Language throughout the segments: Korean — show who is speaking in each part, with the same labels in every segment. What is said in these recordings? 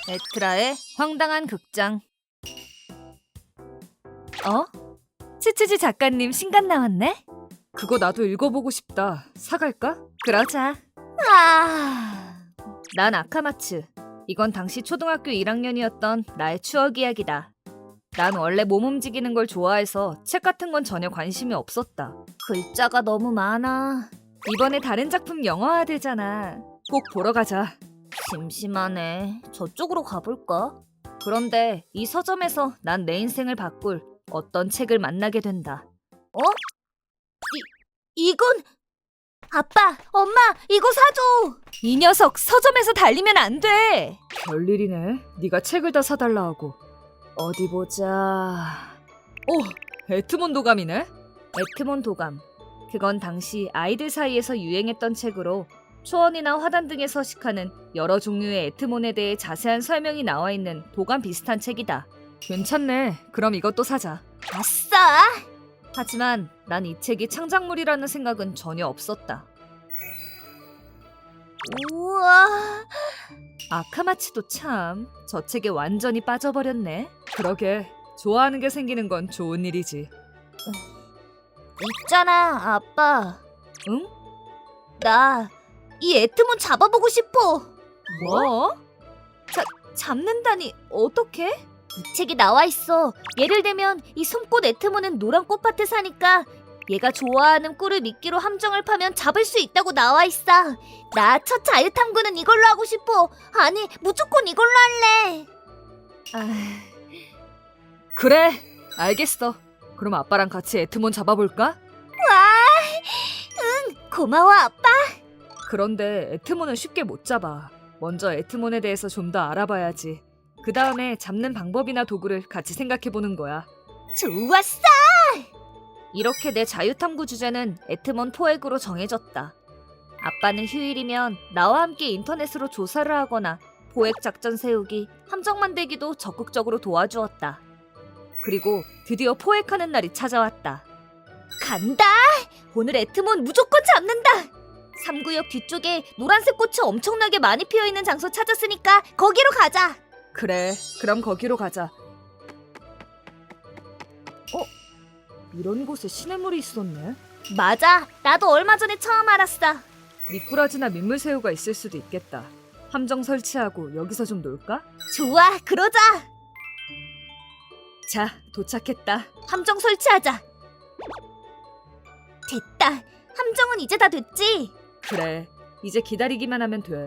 Speaker 1: 에트라의 황당한 극장. 츠츠지 작가님 신간 나왔네? 그거 나도 읽어보고 싶다. 사갈까? 그러자. 난 아카마츠. 이건 당시 초등학교 1학년이었던 나의 추억 이야기다. 난 원래 몸 움직이는 걸 좋아해서 책 같은 건 전혀 관심이 없었다. 글자가 너무 많아. 이번에 다른 작품 영화화 되잖아. 꼭 보러 가자. 심심하네. 저쪽으로 가볼까? 그런데 이 서점에서 난 내 인생을 바꿀 어떤 책을 만나게 된다. 이건... 아빠, 엄마, 이거 사줘! 이 녀석 서점에서 달리면 안 돼! 별일이네. 네가 책을 다 사달라 하고. 어디 보자... 에트몬 도감이네? 에트몬 도감. 그건 당시 아이들 사이에서 유행했던 책으로 초원이나 화단 등에 서식하는 여러 종류의 에트몬에 대해 자세한 설명이 나와 있는 도감 비슷한 책이다. 괜찮네. 그럼 이것도 사자. 아싸! 하지만 난 이 책이 창작물이라는 생각은 전혀 없었다. 우와... 아카마츠도 참, 저 책에 완전히 빠져버렸네. 그러게, 좋아하는 게 생기는 건 좋은 일이지. 있잖아, 아빠. 응? 나 이 에트몬 잡아보고 싶어. 뭐? 잡는다니 어떻게? 이 책에 나와 있어. 예를 들면 이 솜꽃 에트몬은 노란 꽃밭에 사니까 얘가 좋아하는 꿀을 미끼로 함정을 파면 잡을 수 있다고 나와 있어. 나 첫 자유탐구는 이걸로 하고 싶어. 아니, 무조건 이걸로 할래. 그래, 알겠어. 그럼 아빠랑 같이 에트몬 잡아볼까? 응, 고마워 아빠. 그런데 에트몬은 쉽게 못 잡아. 먼저 에트몬에 대해서 좀 더 알아봐야지. 그 다음에 잡는 방법이나 도구를 같이 생각해보는 거야. 좋았어! 이렇게 내 자유탐구 주제는 에트몬 포획으로 정해졌다. 아빠는 휴일이면 나와 함께 인터넷으로 조사를 하거나 포획 작전 세우기, 함정 만들기도 적극적으로 도와주었다. 그리고 드디어 포획하는 날이 찾아왔다. 간다! 오늘 에트몬 무조건 잡는다! 3구역 뒤쪽에 노란색 꽃이 엄청나게 많이 피어있는 장소 찾았으니까 거기로 가자! 그래, 그럼 거기로 가자. 이런 곳에 시냇물이 있었네. 맞아, 나도 얼마 전에 처음 알았어. 미꾸라지나 민물새우가 있을 수도 있겠다. 함정 설치하고 여기서 좀 놀까? 좋아, 그러자. 자, 도착했다. 함정 설치하자. 됐다. 함정은 이제 다 됐지? 그래, 이제 기다리기만 하면 돼.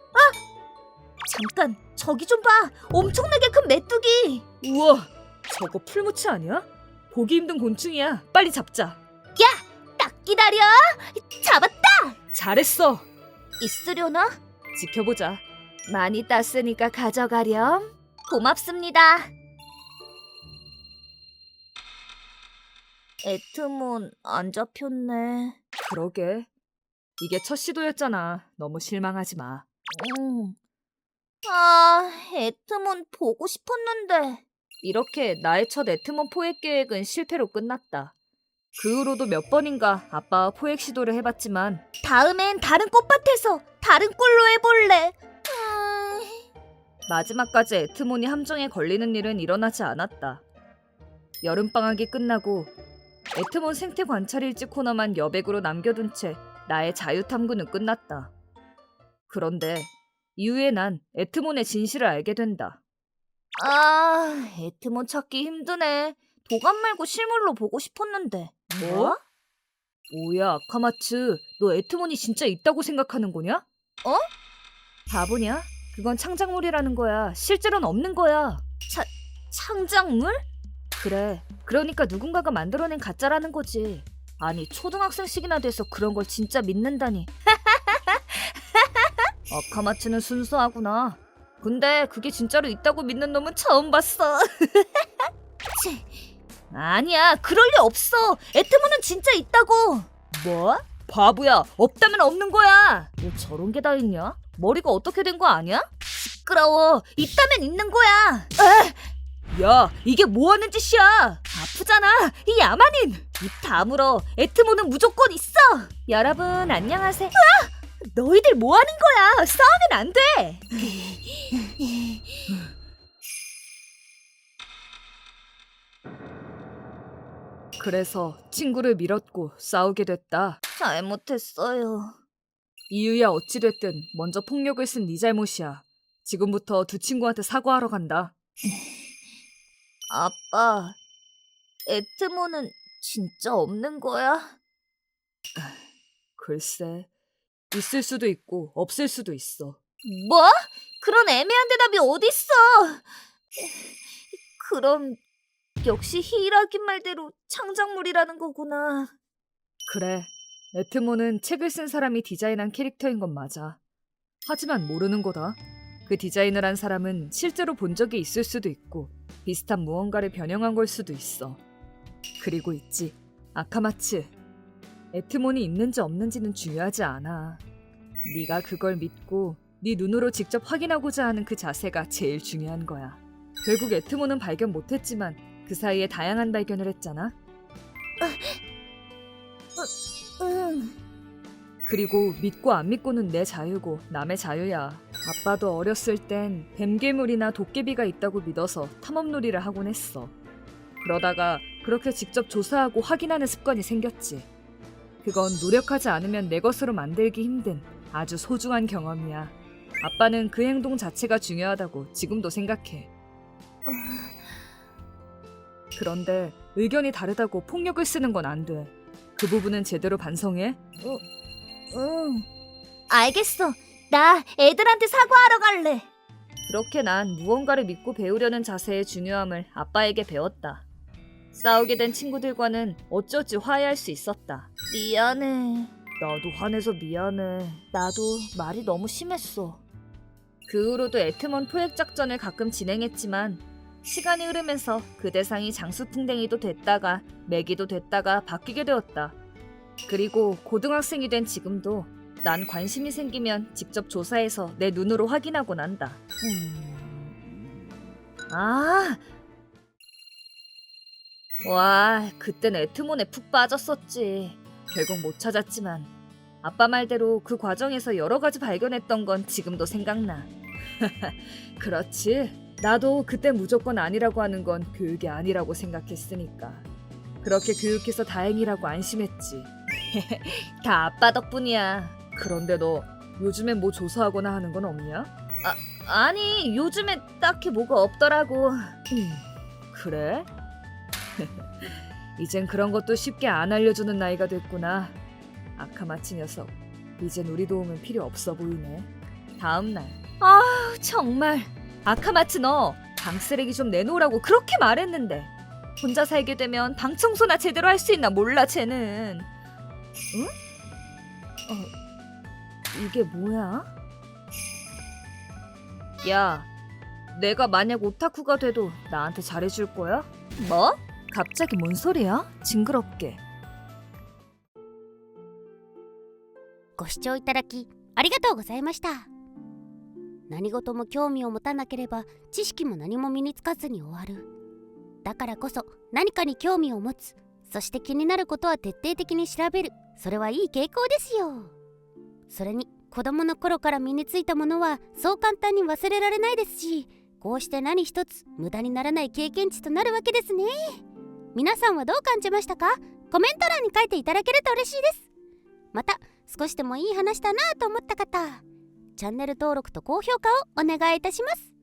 Speaker 1: 잠깐, 저기 좀 봐. 엄청나게 큰 메뚜기. 우와, 저거 풀무치 아니야? 보기 힘든 곤충이야. 빨리 잡자. 야, 딱 기다려. 잡았다. 잘했어. 있으려나? 지켜보자. 많이 땄으니까 가져가렴. 고맙습니다. 에트몬 안 잡혔네. 그러게. 이게 첫 시도였잖아. 너무 실망하지 마. 에트몬 보고 싶었는데. 이렇게 나의 첫 에트몬 포획 계획은 실패로 끝났다. 그 후로도 몇 번인가 아빠와 포획 시도를 해봤지만 다음엔 다른 꽃밭에서 다른 꿀로 해볼래. 마지막까지 에트몬이 함정에 걸리는 일은 일어나지 않았다. 여름방학이 끝나고 에트몬 생태 관찰 일지 코너만 여백으로 남겨둔 채 나의 자유탐구는 끝났다. 그런데 이후에 난 에트몬의 진실을 알게 된다. 에트몬 찾기 힘드네. 도감 말고 실물로 보고 싶었는데. 뭐? 뭐야, 아카마츠. 너 에트몬이 진짜 있다고 생각하는 거냐? 바보냐? 그건 창작물이라는 거야. 실제로는 없는 거야. 창작물? 그래. 그러니까 누군가가 만들어낸 가짜라는 거지. 아니, 초등학생식이나 돼서 그런 걸 진짜 믿는다니. 아카마츠는 순수하구나. 근데 그게 진짜로 있다고 믿는 놈은 처음 봤어. 아니야, 그럴 리 없어. 에트몬은 진짜 있다고. 뭐? 바보야, 없다면 없는 거야. 뭐 저런 게 다 있냐? 머리가 어떻게 된 거 아니야? 시끄러워. 있다면 있는 거야. 야, 이게 뭐 하는 짓이야? 아프잖아, 이 야만인. 입 다물어. 에트몬은 무조건 있어. 여러분 안녕하세요. 너희들 뭐 하는 거야? 싸우면 안 돼. 그래서 친구를 밀었고 싸우게 됐다.
Speaker 2: 잘못했어요.
Speaker 1: 이유야 어찌됐든 먼저 폭력을 쓴 네 잘못이야. 지금부터 두 친구한테 사과하러 간다.
Speaker 2: 아빠, 에트모는 진짜 없는 거야?
Speaker 1: 글쎄, 있을 수도 있고 없을 수도 있어.
Speaker 2: 뭐? 그런 애매한 대답이 어딨어? 그럼 역시 히이라기 말대로 창작물이라는 거구나.
Speaker 1: 그래, 에트모는 책을 쓴 사람이 디자인한 캐릭터인 건 맞아. 하지만 모르는 거다. 그 디자인을 한 사람은 실제로 본 적이 있을 수도 있고 비슷한 무언가를 변형한 걸 수도 있어. 그리고 있지, 아카마츠. 에트몬이 있는지 없는지는 중요하지 않아. 네가 그걸 믿고 네 눈으로 직접 확인하고자 하는 그 자세가 제일 중요한 거야. 결국 에트몬은 발견 못했지만 그 사이에 다양한 발견을 했잖아.
Speaker 2: 응.
Speaker 1: 그리고 믿고 안 믿고는 내 자유고 남의 자유야. 아빠도 어렸을 땐 뱀괴물이나 도깨비가 있다고 믿어서 탐험놀이를 하곤 했어. 그러다가 그렇게 직접 조사하고 확인하는 습관이 생겼지. 그건 노력하지 않으면 내 것으로 만들기 힘든 아주 소중한 경험이야. 아빠는 그 행동 자체가 중요하다고 지금도 생각해. 그런데 의견이 다르다고 폭력을 쓰는 건 안 돼. 그 부분은 제대로 반성해.
Speaker 2: 응. 알겠어. 나 애들한테 사과하러 갈래.
Speaker 1: 그렇게 난 무언가를 믿고 배우려는 자세의 중요함을 아빠에게 배웠다. 싸우게 된 친구들과는 어쩌지 화해할 수 있었다.
Speaker 2: 미안해.
Speaker 1: 나도 화내서 미안해.
Speaker 2: 나도 말이 너무 심했어.
Speaker 1: 그 후로도 에트먼 포획 작전을 가끔 진행했지만 시간이 흐르면서 그 대상이 장수풍뎅이도 됐다가 메기도 됐다가 바뀌게 되었다. 그리고 고등학생이 된 지금도 난 관심이 생기면 직접 조사해서 내 눈으로 확인하고 난다. 와, 그땐 에트몬에 푹 빠졌었지. 결국 못 찾았지만 아빠 말대로 그 과정에서 여러 가지 발견했던 건 지금도 생각나. 그렇지. 나도 그때 무조건 아니라고 하는 건 교육이 아니라고 생각했으니까. 그렇게 교육해서 다행이라고 안심했지.
Speaker 2: 다 아빠 덕분이야.
Speaker 1: 그런데 너 요즘엔 뭐 조사하거나 하는 건 없냐?
Speaker 2: 아니, 요즘에 딱히 뭐가 없더라고.
Speaker 1: 그래? 이젠 그런 것도 쉽게 안 알려주는 나이가 됐구나. 아카마치 녀석, 이젠 우리 도움은 필요 없어 보이네. 다음날.
Speaker 2: 정말.
Speaker 1: 아카마츠 너 방 쓰레기 좀 내놓으라고 그렇게 말했는데 혼자 살게 되면 방 청소나 제대로 할 수 있나 몰라 쟤는. 응? 이게 뭐야? 야, 내가 만약 오타쿠가 돼도 나한테 잘해줄 거야?
Speaker 2: 뭐?
Speaker 1: 갑자기 뭔 소리야? 징그럽게.
Speaker 3: ご視聴いただきありがとうございました。何事も興味を持たなければ知識も何も身につかずに終わる。だからこそ何かに興味を持つ。そして気になることは徹底的に調べる。それはいい傾向ですよ。それに子供の頃から身についたものはそう簡単に忘れられないですし、こうして何一つ無駄にならない経験値となるわけですね。皆さんはどう感じましたか？コメント欄に書いていただけると嬉しいです。また少しでもいい話だなと思った方、チャンネル登録と高評価をお願いいたします。